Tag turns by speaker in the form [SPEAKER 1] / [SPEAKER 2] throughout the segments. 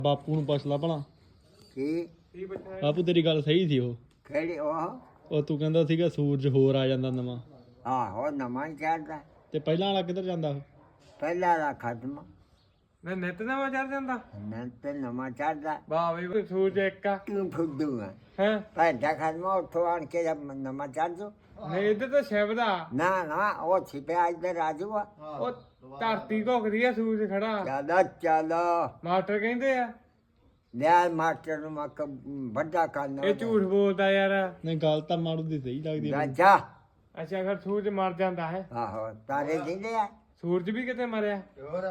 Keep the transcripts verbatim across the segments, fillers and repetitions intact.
[SPEAKER 1] ਬਾਪੂ ਨੂੰ ਪੁੱਛ ਲਾ ਭਲਾ
[SPEAKER 2] ਕੀ
[SPEAKER 3] ਕੀ ਪੁੱਛਣਾ
[SPEAKER 1] ਬਾਪੂ ਤੇਰੀ ਗੱਲ ਸਹੀ ਸੀ ਉਹ
[SPEAKER 2] ਕਿਹੜੀ ਉਹ
[SPEAKER 1] ਉਹ ਤੂੰ ਕਹਿੰਦਾ ਸੀਗਾ ਸੂਰਜ ਹੋਰ ਆ ਜਾਂਦਾ ਨਵਾਂ
[SPEAKER 2] ਆਹੋ ਨਵਾਂ ਚੜਦਾ
[SPEAKER 1] ਤੇ ਪਹਿਲਾਂ ਵਾਲਾ ਕਿੱਧਰ ਜਾਂਦਾ ਉਹ
[SPEAKER 2] ਪਹਿਲਾ ਦਾ ਖਤਮ
[SPEAKER 3] ਨਾ ਨਿੱਤ ਨਵਾਂ ਚੜ ਜਾਂਦਾ
[SPEAKER 2] ਨਾ ਤੇ ਨਵਾਂ ਚੜਦਾ
[SPEAKER 3] ਵਾਹ ਬਈ ਸੂਰਜ ਇੱਕ ਆ
[SPEAKER 2] ਤੂੰ ਫੁੱਦੂ ਆ
[SPEAKER 3] ਹੈ
[SPEAKER 2] ਪਹਿਲਾ ਖਤਮ ਉੱਥੋਂ ਆਣ ਕੇ ਜਦ ਨਵਾਂ ਚੜ ਜੋ
[SPEAKER 3] ਨਹੀਂ ਇੱਧਰ ਤਾਂ ਸ਼ਬਦ ਆ
[SPEAKER 2] ਨਾ ਨਾ ਉਹ ਛਿਪਿਆ ਇੱਧਰ ਰਾਜੂ ਆ
[SPEAKER 3] ਉਹ ਧਰਤੀ ਘੁੱਕਦੀ ਆ ਸੂਰਜ ਖੜਾ
[SPEAKER 2] ਚੱਲ ਚੱਲ
[SPEAKER 3] ਮਾਸਟਰ ਕਹਿੰਦੇ ਆ
[SPEAKER 2] ਲਿਆ ਮਾਸਟਰ ਨੂੰ ਮੱਕ ਵੱਡਾ ਕਰਨਾ
[SPEAKER 3] ਇਹ ਝੂਠ ਬੋਲਦਾ ਯਾਰ
[SPEAKER 1] ਨਹੀਂ ਗੱਲ ਤਾਂ ਮਾਰੂ ਦੀ ਸਹੀ ਲੱਗਦੀ ਆ ਮੈਨੂੰ।
[SPEAKER 2] ਰਾਜਾ
[SPEAKER 3] ਅੱਛਾ ਫਿਰ ਸੂਰਜ ਮਰ ਜਾਂਦਾ ਹੈ
[SPEAKER 2] ਆਹੋ ਤਾਰੇ ਦਿੰਦੇ ਆ
[SPEAKER 3] ਸੂਰਜ ਵੀ ਕਿਤੇ ਮਰਿਆ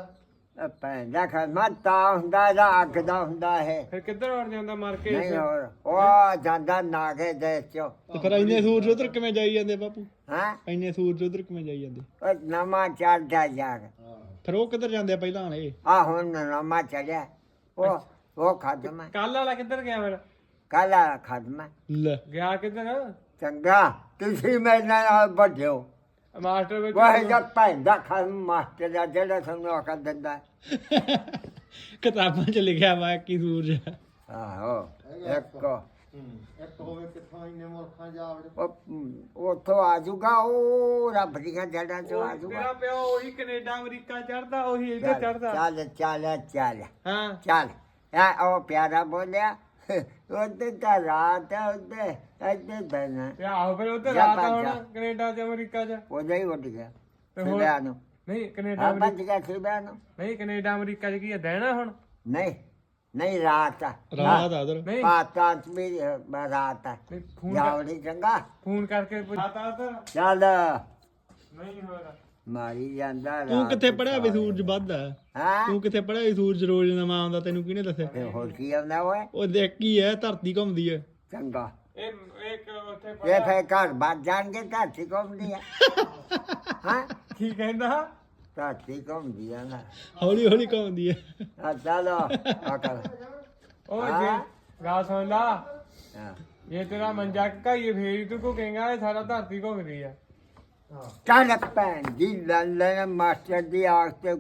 [SPEAKER 2] ਪਹਿਲਾ ਖਤਮ ਤਾਂ ਹੁੰਦਾ ਇਹਦਾ ਅੱਗ ਦਾ ਹੁੰਦਾ ਹੈ
[SPEAKER 3] ਫਿਰ ਕਿੱਧਰ ਵੜ ਜਾਂਦਾ ਮਰ ਕੇ
[SPEAKER 2] ਨਹੀਂ ਹੋਰ ਉਹ ਜਾਂਦਾ ਨਾਗੇ ਦੇਸ਼ ਚੋਂ
[SPEAKER 1] ਤੇ ਫਿਰ ਇੰਨੇ ਸੂਰਜ ਉਧਰ ਕਿਵੇਂ ਜਾਈ ਜਾਂਦੇ ਬਾਪੂ
[SPEAKER 2] ਹਾਂ
[SPEAKER 1] ਇੰਨੇ ਸੂਰਜ ਉਧਰ ਕਿਵੇਂ ਜਾਈ ਜਾਂਦੇ
[SPEAKER 2] ਉਹ ਨਵਾਂ ਚੜਦਾ ਜਾਗ
[SPEAKER 1] ਫਿਰ ਉਹ ਕਿੱਧਰ ਜਾਂਦੇ ਆ ਪਹਿਲਾਂ ਵਾਲੇ
[SPEAKER 2] ਆ ਹੁਣ ਨਵਾਂ ਚੜਿਆ ਉਹ ਉਹ ਖਤਮ ਹੈ
[SPEAKER 3] ਕੱਲ ਵਾਲਾ ਕਿੱਧਰ ਗਿਆ ਫਿਰ
[SPEAKER 2] ਕੱਲ ਖਤਮ ਹੈ
[SPEAKER 1] ਲੈ
[SPEAKER 3] ਗਿਆ ਕਿੱਧਰ
[SPEAKER 2] ਚੰਗਾ ਤੁਸੀਂ ਮੇਰੇ ਨਾਲ ਵੱਡਿਓ
[SPEAKER 3] ਮਾਸਟਰ ਵਿੱਚ
[SPEAKER 2] ਉਹ ਜਦ ਪੈਂਦਾ ਖਤਮ ਮਾਸਟਰ ਦਾ ਜਿਹੜਾ ਤੁਹਾਨੂੰ ਆਖਰ ਦਿੰਦਾ
[SPEAKER 1] ਕਿਤਾਬਾਂ 'ਚ ਲਿਖਿਆ ਵਾ ਕਿ ਸੂਰਜ ਆ।
[SPEAKER 2] ਆਹੋ ਇੱਕ
[SPEAKER 4] ਇੱਕ ਹੋਵੇ ਕਿੱਥੋਂ ਇੰਨੇ ਮੁਲਕਾਂ ਜਾ ਵੜੇ
[SPEAKER 2] ਉਹ ਉੱਥੋਂ ਆ ਜਾਊਗਾ ਉਹ ਰੱਬ ਦੀਆਂ ਜੜਾਂ ਚੋਂ ਆ
[SPEAKER 3] ਤੇਰਾ
[SPEAKER 2] ਜਾਊਗਾ
[SPEAKER 3] ਪਿਓ ਉਹੀ ਕੈਨੇਡਾ ਅਮਰੀਕਾ ਚੜਦਾ ਉਹੀ ਇੱਧਰ ਚੜਦਾ
[SPEAKER 2] ਚੱਲ ਚੱਲ ਚੱਲ
[SPEAKER 3] ਹਾਂ
[SPEAKER 2] ਚੱਲ ਆ ਉਹ ਪਿਆਰਾ ਬੋਲਿਆ ਉਹਦੇ ਤਾਂ ਰਾਤ ਹੈ ਉਹਦੇ ਇੱਥੇ ਬੈਣਾ
[SPEAKER 3] ਤੇ ਆਹੋ ਫਿਰ ਉੱਧਰ
[SPEAKER 2] ਜਾ
[SPEAKER 3] ਰਾਤ
[SPEAKER 2] ਭੱਜ
[SPEAKER 3] ਹੁਣ
[SPEAKER 2] ਜਾ।
[SPEAKER 3] ਕੈਨੇਡਾ ਤੇ ਅਮਰੀਕਾ ਚ
[SPEAKER 2] ਉਹਦਾ ਹੀ ਉੱਡ ਗਿਆ
[SPEAKER 3] ਤੇ ਹੋਰ
[SPEAKER 2] ਸਿਵਿਆਂ ਨੂੰ
[SPEAKER 3] ਨਹੀਂ ਕੈਨੇਡਾ
[SPEAKER 2] ਹਾਂ
[SPEAKER 3] ਅਮਰੀਕਾ
[SPEAKER 2] ਭੱਜ ਗਿਆ ਸਿਵਿਆਂ ਨੂੰ
[SPEAKER 3] ਨਹੀਂ ਕੈਨੇਡਾ ਅਮਰੀਕਾ ਚ ਕੀ ਹੈ ਦੇਣਾ ਹੁਣ
[SPEAKER 2] ਨਹੀਂ ਨਹੀਂ ਰਾਤ ਆ
[SPEAKER 1] ਰਾਤ ਆ ਉਧਰ
[SPEAKER 3] ਨਹੀਂ
[SPEAKER 2] ਪਾਤਾਂ ਚ ਵੀ ਰਾਤ ਆ
[SPEAKER 3] ਨਹੀਂ ਫੋਨ ਕਰ-
[SPEAKER 2] ਜਾਵੜੀ ਚੰਗਾ
[SPEAKER 3] ਫੋਨ ਕਰਕੇ ਪੁੱਛਾਤਾ ਉਧਰ
[SPEAKER 2] ਚੱਲ
[SPEAKER 3] ਨਹੀਂ ਹੋਇਆ
[SPEAKER 2] ਮਾਰੀ ਜਾਂਦਾ
[SPEAKER 1] ਤੂੰ ਕਿੱਥੇ ਪੜਿਆ ਵੀ ਸੂਰਜ ਵੱਧਦਾ
[SPEAKER 2] ਹਾਂ
[SPEAKER 1] ਤੂੰ ਕਿੱਥੇ ਪੜਿਆ ਵੀ ਸੂਰਜ ਰੋਜ਼ ਨਵਾਂ ਆਉਂਦਾ ਤੈਨੂੰ ਕਿਹਨੇ ਦੱਸਿਆ
[SPEAKER 2] ਤੇ ਹੋਰ ਕੀ ਆਉਂਦਾ ਓਏ
[SPEAKER 1] ਉਹ ਦੇਖ ਕੀ ਹੈ ਧਰਤੀ ਘੁੰਮਦੀ ਹੈ
[SPEAKER 2] ਚੰਗਾ
[SPEAKER 3] ਇਹ ਇੱਕ ਉੱਥੇ
[SPEAKER 2] ਇਹ
[SPEAKER 3] ਪੜਿਆ
[SPEAKER 2] ਫੇ ਘਰ ਬਾਤ ਜਾਣਗੇ ਧਰਤੀ ਘੁੰਮਦੀ ਆ ਹਾਂ
[SPEAKER 3] ਕੀ ਕਹਿੰਦਾ
[SPEAKER 2] ਧਰਤੀ ਘੁੰਮਦੀ ਆ ਨਾ
[SPEAKER 1] ਹੌਲੀ ਹੌਲੀ ਘੁੰਮਦੀ ਹੈ
[SPEAKER 2] ਆ ਚਲੋ ਆ ਕਰ
[SPEAKER 3] ਉਹ
[SPEAKER 2] ਹਾਂ।
[SPEAKER 3] ਜੇ ਗਾ ਸੁਣ ਲਾ
[SPEAKER 2] ਹਾਂ।
[SPEAKER 3] ਇਹ ਤੇਰਾ ਮੰਜਾ ਕਾਈਏ ਫੇਰ ਤੂੰ ਕੋ ਕਹੇਗਾ ਇਹ ਸਾਰਾ ਧਰਤੀ ਘੁੰਮਦੀ ਆ
[SPEAKER 2] ਚੱਲ ਭੈਣ ਜੀ ਲੈ ਮਾਸਟਰ ਦੀ ਆਖ ਤੇ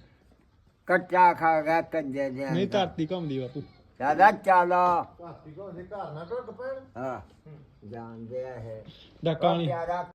[SPEAKER 2] ਕੱਟਾ ਖਾ ਗਿਆ ਕੰਜੇ ਦੇ
[SPEAKER 1] ਨਹੀਂ ਧਰਤੀ ਘੁੰਮਦੀ ਬਾਪੂ
[SPEAKER 2] ਚੱਲ ਚਲੋ
[SPEAKER 4] ਧਰਤੀ ਕੋ ਘਰ ਨਾ ਟੁੱਟ ਪੈਣ
[SPEAKER 2] ਹਾਂ ਜਾਣਦੇ ਆ ਇਹ
[SPEAKER 1] ਡਾਕਾ ਨਹੀਂ
[SPEAKER 2] ਪਿਆਰਾ